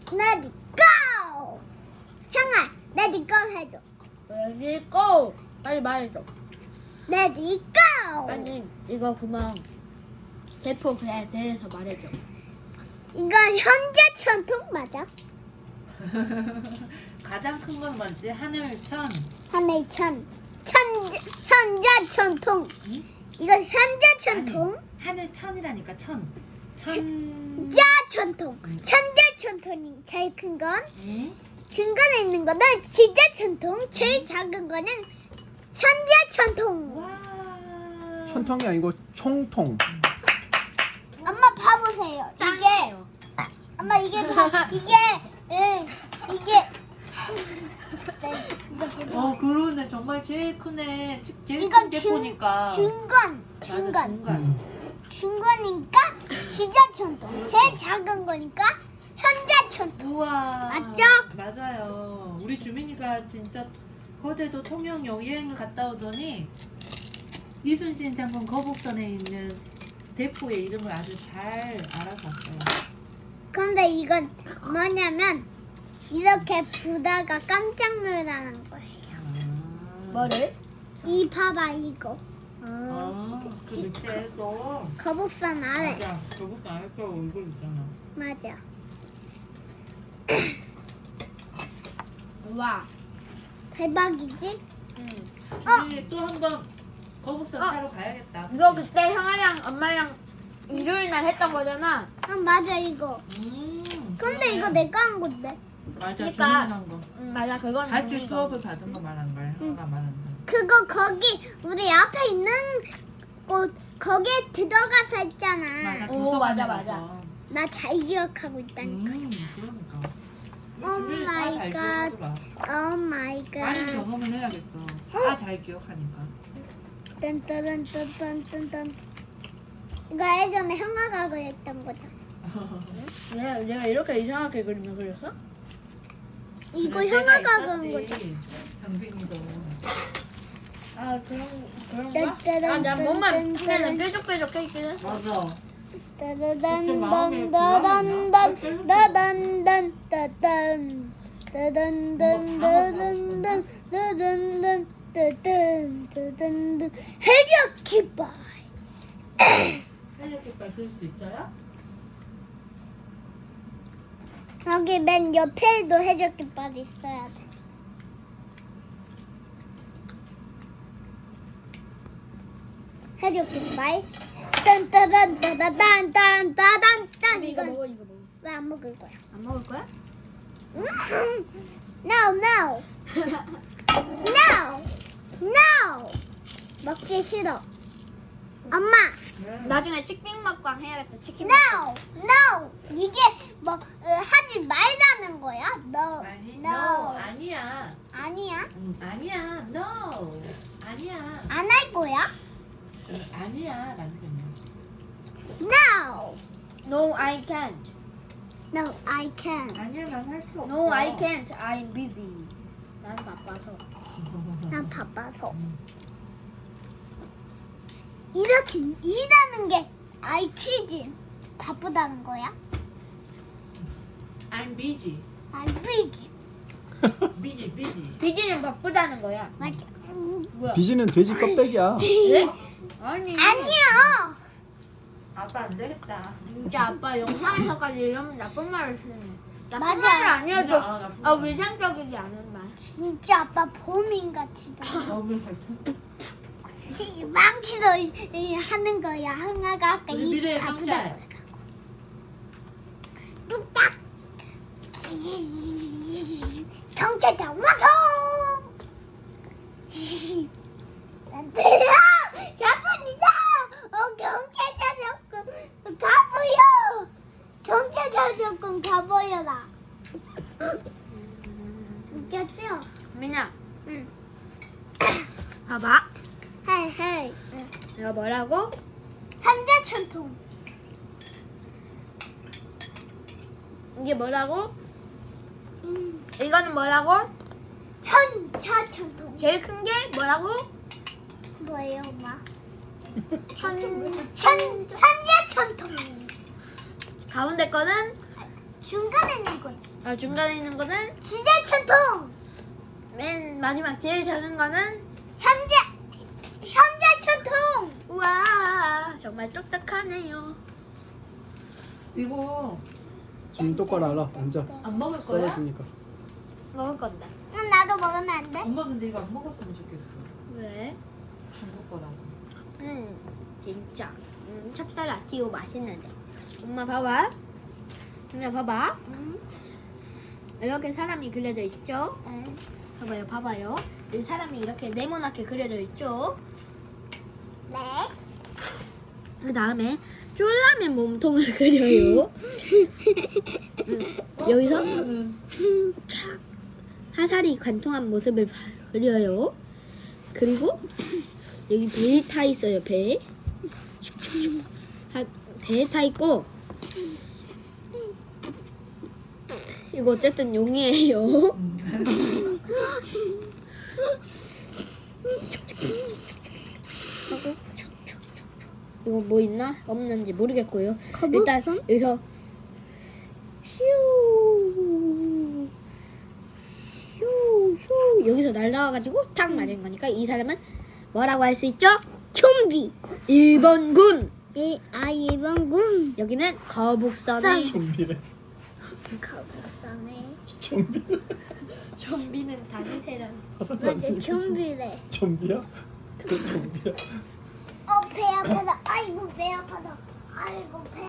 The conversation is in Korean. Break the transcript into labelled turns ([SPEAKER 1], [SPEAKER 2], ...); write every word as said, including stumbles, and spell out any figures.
[SPEAKER 1] Let it go. 형아, let it go 해줘.
[SPEAKER 2] Ready go. 빨리 말해줘.
[SPEAKER 1] Let it go.
[SPEAKER 2] 빨리 이거 그만 대포 그에 대해서 말해줘.
[SPEAKER 1] 이건 현재 전통 맞아?
[SPEAKER 3] 가장 큰 건 뭔지? 하늘천.
[SPEAKER 1] 하늘 천. 천재, 현재 전통.
[SPEAKER 3] 응?
[SPEAKER 1] 이건 현재 전통.
[SPEAKER 3] 아니, 하늘천이라니까 천. 천.
[SPEAKER 1] 자 전통. 천재 전통이 제일 큰 건.
[SPEAKER 3] 응?
[SPEAKER 1] 중간에 있는 거는 진짜 전통. 제일 작은 거는 현재 전통.
[SPEAKER 3] 와.
[SPEAKER 4] 천통이 아니고 총통.
[SPEAKER 1] 엄마 봐보세요. 이게
[SPEAKER 2] 짱이에요.
[SPEAKER 1] 엄마 이게 봐. 이게 응, 이게 네, 이거 지금
[SPEAKER 3] 어 그러네. 정말 제일 크네. 제일
[SPEAKER 1] 이건
[SPEAKER 3] 큰게
[SPEAKER 1] 중-
[SPEAKER 3] 보니까.
[SPEAKER 1] 중간
[SPEAKER 3] 맞아,
[SPEAKER 1] 중간
[SPEAKER 3] 중간.
[SPEAKER 1] 중간이니까 진짜 전통. 제일 작은 거니까 현재 전통.
[SPEAKER 3] 우와.
[SPEAKER 1] 맞죠?
[SPEAKER 3] 맞아요. 우리 주민이가 진짜 거제도 통영 여행을 갔다 오더니 이순신 장군 거북선에 있는 대포의 이름을 아주 잘 알아서 왔어요.
[SPEAKER 1] 근데 이건 뭐냐면 이렇게 보다가 깜짝 놀라는 거예요.
[SPEAKER 3] 아.
[SPEAKER 2] 뭐를?
[SPEAKER 1] 이 봐봐 이거
[SPEAKER 3] 아, 그 밑에서.
[SPEAKER 1] 거북선 아래
[SPEAKER 3] 맞아. 거북선 아래 거 얼굴 있잖아.
[SPEAKER 1] 맞아.
[SPEAKER 2] 와.
[SPEAKER 1] 대박이지?
[SPEAKER 2] 응.
[SPEAKER 3] 주민이 또 한 번 거북선
[SPEAKER 2] 어.
[SPEAKER 3] 타러 가야겠다.
[SPEAKER 2] 이거 그때 형아랑 엄마랑 일요일 날 했던 거잖아.
[SPEAKER 1] 아 맞아 이거.
[SPEAKER 3] 음.
[SPEAKER 1] 근데
[SPEAKER 3] 그러네.
[SPEAKER 1] 이거 내가 한 건데.
[SPEAKER 3] 맞아.
[SPEAKER 2] 그러니까-
[SPEAKER 3] 주민이 한 거.
[SPEAKER 2] 응 맞아 그건.
[SPEAKER 3] 같이
[SPEAKER 2] 있는 거.
[SPEAKER 3] 수업을 받은 거 말하는 거야. 형아가 말하는 거.
[SPEAKER 1] 그거 거기 우리 앞에 있는 곳 거기에 들어가서 했잖아.
[SPEAKER 3] 맞아.
[SPEAKER 2] 오,
[SPEAKER 3] 도서관에
[SPEAKER 2] 맞아,
[SPEAKER 3] 가서.
[SPEAKER 2] 맞아.
[SPEAKER 1] 나 잘 기억하고 있다니까.
[SPEAKER 3] 음, 그러니까.
[SPEAKER 1] 오
[SPEAKER 3] 주민이
[SPEAKER 1] 마이
[SPEAKER 3] 다잘
[SPEAKER 1] 갓.
[SPEAKER 3] 기억하더라.
[SPEAKER 1] 오 마이 갓.
[SPEAKER 3] 많이 경험을 해야겠어. 다 잘 기억하니까.
[SPEAKER 1] 딴따단따단딴딴. 이거 예전에 형아가 그랬던 거잖아.
[SPEAKER 2] 내가 내가 이렇게 이상하게 그리면 그렸어?
[SPEAKER 1] 이거
[SPEAKER 3] 그럴 때가
[SPEAKER 1] 형아가 그런
[SPEAKER 3] 있었지,
[SPEAKER 1] 거잖아.
[SPEAKER 3] 정빈이도.
[SPEAKER 2] 아 그런 그런가?
[SPEAKER 1] 딴따단,
[SPEAKER 2] 아나 몸만
[SPEAKER 1] 딴딴.
[SPEAKER 2] 그냥 뾰족뾰족해 있긴 했어.
[SPEAKER 3] 맞아.
[SPEAKER 1] 따다단단 따단단 따단단 따단 따단단 따단단 따단단 따단 따단단 해적 깃발.
[SPEAKER 3] 헬리콥터 그릴 수 있어요?
[SPEAKER 1] 여기 맨 옆에도 해적 깃발이 있어야 돼. 해적 깃발. 딴따단 따다단 딴따단 딴.
[SPEAKER 2] 이거
[SPEAKER 1] 이건
[SPEAKER 2] 먹어 이거 먹어.
[SPEAKER 1] 왜 안 먹을 거야?
[SPEAKER 2] 안 먹을 거야?
[SPEAKER 1] No, no, no, no. 먹기 싫어. 엄마,
[SPEAKER 2] 나중에 치킨 먹방 해야겠다. 치킨.
[SPEAKER 1] no, no. 이게 뭐 어, 하지 말라는 거야? No,
[SPEAKER 3] 아니,
[SPEAKER 1] no.
[SPEAKER 3] no. 아니야.
[SPEAKER 1] 아니야.
[SPEAKER 3] 응, 아니야. No. 아니야.
[SPEAKER 1] 안 할 거야?
[SPEAKER 3] 응, 아니야. 라는 거냐.
[SPEAKER 1] No,
[SPEAKER 2] No, I can't.
[SPEAKER 1] no, I can.
[SPEAKER 3] 아니야, 난 할 수 없어.
[SPEAKER 2] No, I can't. I'm busy. 난 바빠서.
[SPEAKER 1] 난 바빠서. 이렇게 일하는 게 I 퀴즈 바쁘다는 거야?
[SPEAKER 3] I'm busy.
[SPEAKER 1] I'm busy.
[SPEAKER 3] busy, busy.
[SPEAKER 2] 비지는 바쁘다는 거야.
[SPEAKER 1] 맞아.
[SPEAKER 2] 뭐야?
[SPEAKER 4] 비지는 돼지 껍데기야.
[SPEAKER 2] 네? 아니.
[SPEAKER 1] 아니야.
[SPEAKER 3] 아빠 안 되겠다.
[SPEAKER 2] 진짜 아빠 영상에서까지 이러면 나쁜 말을 쓰네. 나쁜
[SPEAKER 1] 맞아.
[SPEAKER 2] 말은 아니어도
[SPEAKER 3] 그냥, 아, 나쁜
[SPEAKER 2] 아,
[SPEAKER 3] 말.
[SPEAKER 2] 위생적이지 않은 말.
[SPEAKER 1] 진짜 아빠 범인같이 봐.
[SPEAKER 3] 너무 살짝.
[SPEAKER 1] 망치도 이- 이 하는 거야. 흥아가 아까
[SPEAKER 3] 우리
[SPEAKER 1] 이
[SPEAKER 3] 미래의
[SPEAKER 1] 바쁘다고
[SPEAKER 3] 경찰.
[SPEAKER 1] 해갖고. 뚝딱. 경찰차 와서. 안 들려. 자군이다. 어 경찰차 조금 가보여. 경찰차 조금 가보여라. 웃겼죠?
[SPEAKER 2] 민아,
[SPEAKER 1] 응.
[SPEAKER 2] 봐봐.
[SPEAKER 1] 헤이 헤이.
[SPEAKER 2] 이거 뭐라고?
[SPEAKER 1] 현재 전통.
[SPEAKER 2] 이게 뭐라고?
[SPEAKER 1] 음,
[SPEAKER 2] 이거는 뭐라고?
[SPEAKER 1] 현재 전통.
[SPEAKER 2] 제일 큰 게 뭐라고?
[SPEAKER 1] 뭐예요, 엄마?
[SPEAKER 2] 천.
[SPEAKER 1] 현 현재 전통.
[SPEAKER 2] 가운데 거는
[SPEAKER 1] 중간에 있는 거지.
[SPEAKER 2] 아 중간에 있는 거는
[SPEAKER 1] 시대 전통.
[SPEAKER 2] 맨 마지막 제일 작은 거는
[SPEAKER 1] 현재 현재 전통.
[SPEAKER 2] 우와 정말 똑딱하네요.
[SPEAKER 3] 이거
[SPEAKER 4] 지금 똑바로 알아. 앉아.
[SPEAKER 3] 안 먹을 거야?
[SPEAKER 4] 떨어지니까.
[SPEAKER 2] 먹을 건데.
[SPEAKER 1] 응, 나도 먹으면 안 돼?
[SPEAKER 3] 엄마 근데 이거 안 먹었으면 좋겠어.
[SPEAKER 2] 왜?
[SPEAKER 3] 중국 거라서.
[SPEAKER 2] 음 진짜 음, 찹쌀 라티오 맛있는데. 엄마 봐봐. 엄마 봐봐. 음. 이렇게 사람이 그려져 있죠?
[SPEAKER 1] 응.
[SPEAKER 2] 봐봐요, 봐봐요. 이 사람이 이렇게 네모나게 그려져 있죠?
[SPEAKER 1] 네.
[SPEAKER 2] 그 다음에 쫄라맨 몸통을 그려요. 음, 여기서 촥 화살이 관통한 모습을 봐- 그려요. 그리고 여기 배 타 있어요. 배. 하- 배에 타 있고 이거 어쨌든 용이에요. 하고 이거 뭐 있나 없는지 모르겠고요. 일단
[SPEAKER 1] 거북선?
[SPEAKER 2] 여기서 슈 슈, 슈 여기서 날라와가지고 탁 맞은 거니까 이 사람은 뭐라고 할 수 있죠?
[SPEAKER 1] 좀비.
[SPEAKER 2] 일본군.
[SPEAKER 1] 이, 아, 이번 군.
[SPEAKER 2] 여기는 거북선의
[SPEAKER 4] 좀비래.
[SPEAKER 1] 거북선에.
[SPEAKER 4] 좀비.
[SPEAKER 2] 좀비는 다니세랑
[SPEAKER 4] 화살
[SPEAKER 1] 맞아,
[SPEAKER 4] 맞는 거
[SPEAKER 1] 좀비래.
[SPEAKER 4] 좀비야? 그래 좀비야.
[SPEAKER 1] 어, 배 아파다. 아이고, 배 아파다. 아이고, 배.